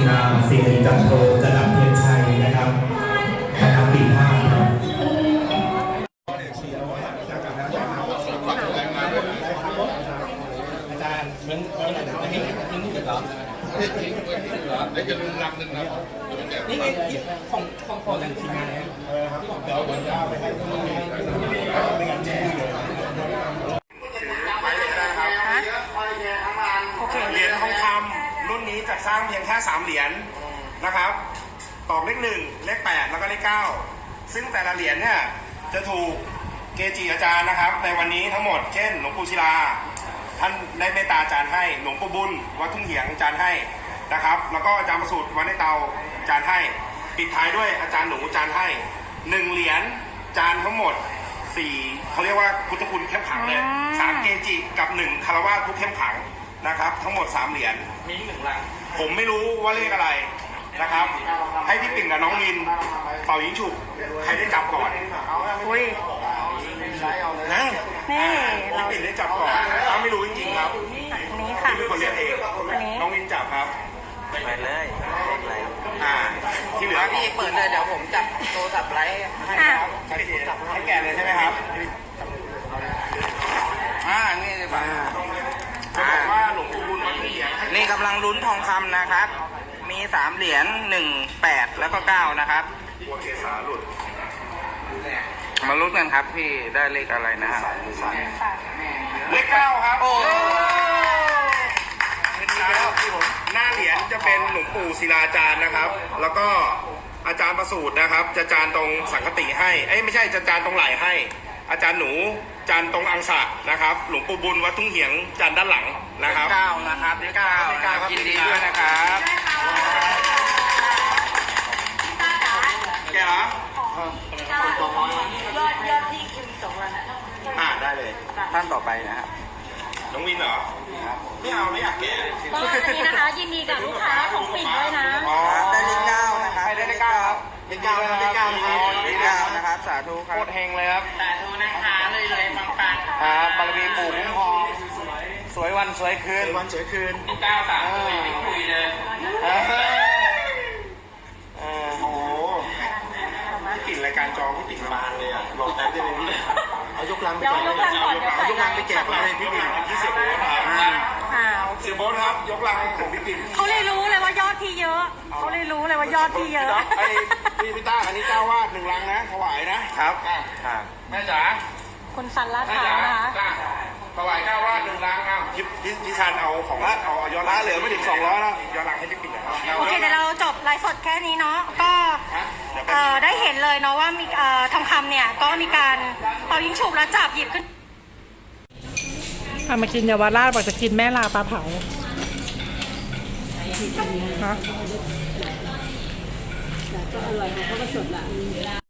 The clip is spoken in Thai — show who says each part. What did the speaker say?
Speaker 1: สิ่งหนึ่งจัดโชว์จะดับเทียนชัยนะครับนะครับปีห้าครับอาจารย์เหมือนนี่เหรอได้แค่ลุงรักนึงนะนี่ไงของจากทีมงานเนี่ยเดี๋ยวผมจะเอาไปให้ไม่งั้นแจ้งเลยเหรียญทองคำรุ่นนี้จะสร้างเพียงแค่3เหรียญนะครับตอกเลข1เลข8แล้วก็เลข9ซึ่งแต่ละเหรียญเนี่ยจะถูกเกจิอาจารย์นะครับในวันนี้ทั้งหมดเช่นหลวงปู่ศิลาท่านได้เมตตาอาจารย์ให้หลวงปู่บุญวัดทุ่งเหียงอาจารย์ให้นะครับแล้วก็อาจารย์ประสูติวัดในเตาอาจารย์ให้ปิดท้ายด้วยอาจารย์หนูอาจารย์ให้1เหรียญอาจารย์ทั้งหมด4เขาเรียกว่าพุทธคุณเข้มขังเลย3เกจิกับ1คารวะผู้เข้มขังนะครับทั้งหมด3เหรียญมี1ลังผมไม่รู้ว่าเลขอะไรนะครับให้พี่ปิ่นกับน้องมินเป่ายิงฉุบใครได้จับก่อนอุ้ยนะนี่เราปิ่นได้จับก่อนไม่รู้จริงๆครับนี่ค่ะพี่เป็นคนเรียกเองน้องมินจับครับไปเลยที่เหลือพี่เปิดเลยเดี๋ยวผมจับโทรศัพท์ไลฟ์ให้ครับให้แกเลยใช่ไหมครับนี่เลยป่ะจะบอกว่าหลวงปู่บุญวัดทุ่งเหียงนี่กำลังลุ้นทองคำนะครับมี3เหรียญ1 8แล้วก็9นะครับหัวเกศาหลุดมาลุ้นกันครับพี่ได้เลขอะไรนะครับเลข9ครับโอ้หน้าเหรียญจะเป็นหลวงปู่ศิลาจารย์นะครับแล้วก็อาจารย์ประสูตินะครับจะจานตรงสังคติให้ไม่ใช่จะจานตรงไหล่ให้อาจารย์หนูจานตรงอังสะนะครับหลวงปู่บุญวัดทุ่งเหียงจานด้านหลังนะครับ9นะครับเลข9ยินดีด้วยนะครับแกเหรอยอดที่คิม2วันได้เลยท่านต่อไปนะครับน้องวินเหรอไม่เอาไม่อยากแก
Speaker 2: ก็อันนี้นะคะยินดีกับลูกค้าของปิ่นด้วยนะ
Speaker 1: ได้เลข9นะครับได้เลข9ครับเลข9นะครับเลข9นะครับสาธุครับโคตรเฮงเลยครับ
Speaker 2: สาธุนะคะเลยปัง
Speaker 1: ครับบารมีปู่คุ้มครองสวยวันสวยคืนวันสวยคืน
Speaker 2: 9 3คุยเลย
Speaker 1: โอ้โหปิ่นรายการจอพี่ปิ่นบานเลยอ่ะหลอกแต่ได้เลยพี่เอายกลังไปแจกเลยเอายกลังไปแจกเลยพี่ปิ่นที่เสียโบ๊ทครับเสียโบ๊ทครับยกลังของพี่ปิ่น
Speaker 2: เขาเลยรู้เลยว่ายอดที่เยอะเขาเลยรู้เลยว่ายอดที่เยอะ
Speaker 1: พี่ต้าอันนี้เจ้าวาด1 ลังนะถวายนะครับแม่จ๋า
Speaker 2: คุณสันลาดพร้าวนะคะ
Speaker 1: ถวายเจ้าวาด1 ลังพี่ชันเอาของเอาย้อนหลังเหลือไม่ถึง200แล้วย้อนหลังให้พี่ปิ่นนะครับ
Speaker 2: โอเคเดี๋ยวเราจบไลฟ์สดแค่นี้เนาะก็ได้เห็นเลยเนาะว่ามีทองคำเนี่ยก็มีการเป่ายิงฉุบแล้วจับหยิบขึ้น
Speaker 3: มากินเยาวราชบอกจะกินแม่ลาปลาเผาฮะก็อร่อยเขาก็สดละ